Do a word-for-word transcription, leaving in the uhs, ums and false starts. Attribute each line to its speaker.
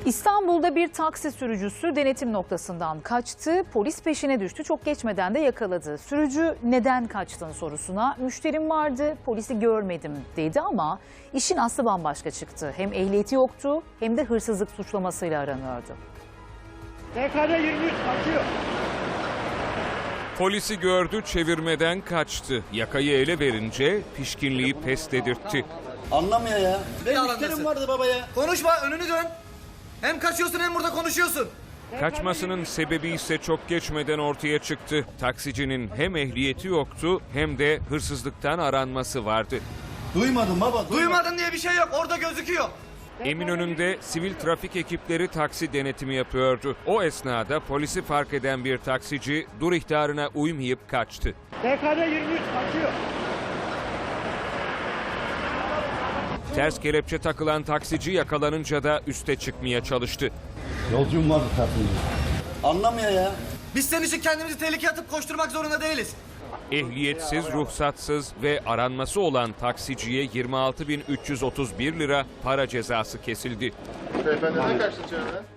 Speaker 1: İstanbul'da bir taksi sürücüsü denetim noktasından kaçtı. Polis peşine düştü. Çok geçmeden de yakaladı. Sürücü neden kaçtın sorusuna müşterim vardı, polisi görmedim dedi ama işin aslı bambaşka çıktı. Hem ehliyeti yoktu hem de hırsızlık suçlamasıyla aranıyordu.
Speaker 2: T K D yirmi üç kaçıyor.
Speaker 3: Polisi gördü, çevirmeden kaçtı. Yakayı ele verince pişkinliği pes dedirtti.
Speaker 4: Anlamıyor ya. Benim
Speaker 5: Yalan
Speaker 4: müşterim
Speaker 5: desin.
Speaker 4: vardı baba ya.
Speaker 5: Konuşma, önünü dön. Hem kaçıyorsun hem burada konuşuyorsun.
Speaker 3: Kaçmasının sebebi ise çok geçmeden ortaya çıktı. Taksicinin hem ehliyeti yoktu hem de hırsızlıktan aranması vardı.
Speaker 4: Duymadım baba. Duymadım.
Speaker 5: Duymadın diye bir şey yok, orada gözüküyor.
Speaker 3: Eminönü'nde sivil trafik ekipleri taksi denetimi yapıyordu. O esnada polisi fark eden bir taksici dur ihtarına uymayıp kaçtı.
Speaker 2: T K D yirmi üç kaçıyor.
Speaker 3: Ters kelepçe takılan taksici yakalanınca da üste çıkmaya çalıştı.
Speaker 4: Yolcum vardı tatlım. Anlamıyor ya.
Speaker 5: Biz senin için kendimizi tehlikeye atıp koşturmak zorunda değiliz.
Speaker 3: Ehliyetsiz, ruhsatsız ve aranması olan taksiciye yirmi altı bin üç yüz otuz bir lira para cezası kesildi.
Speaker 6: Beyefendi ne kaçtı içeriden?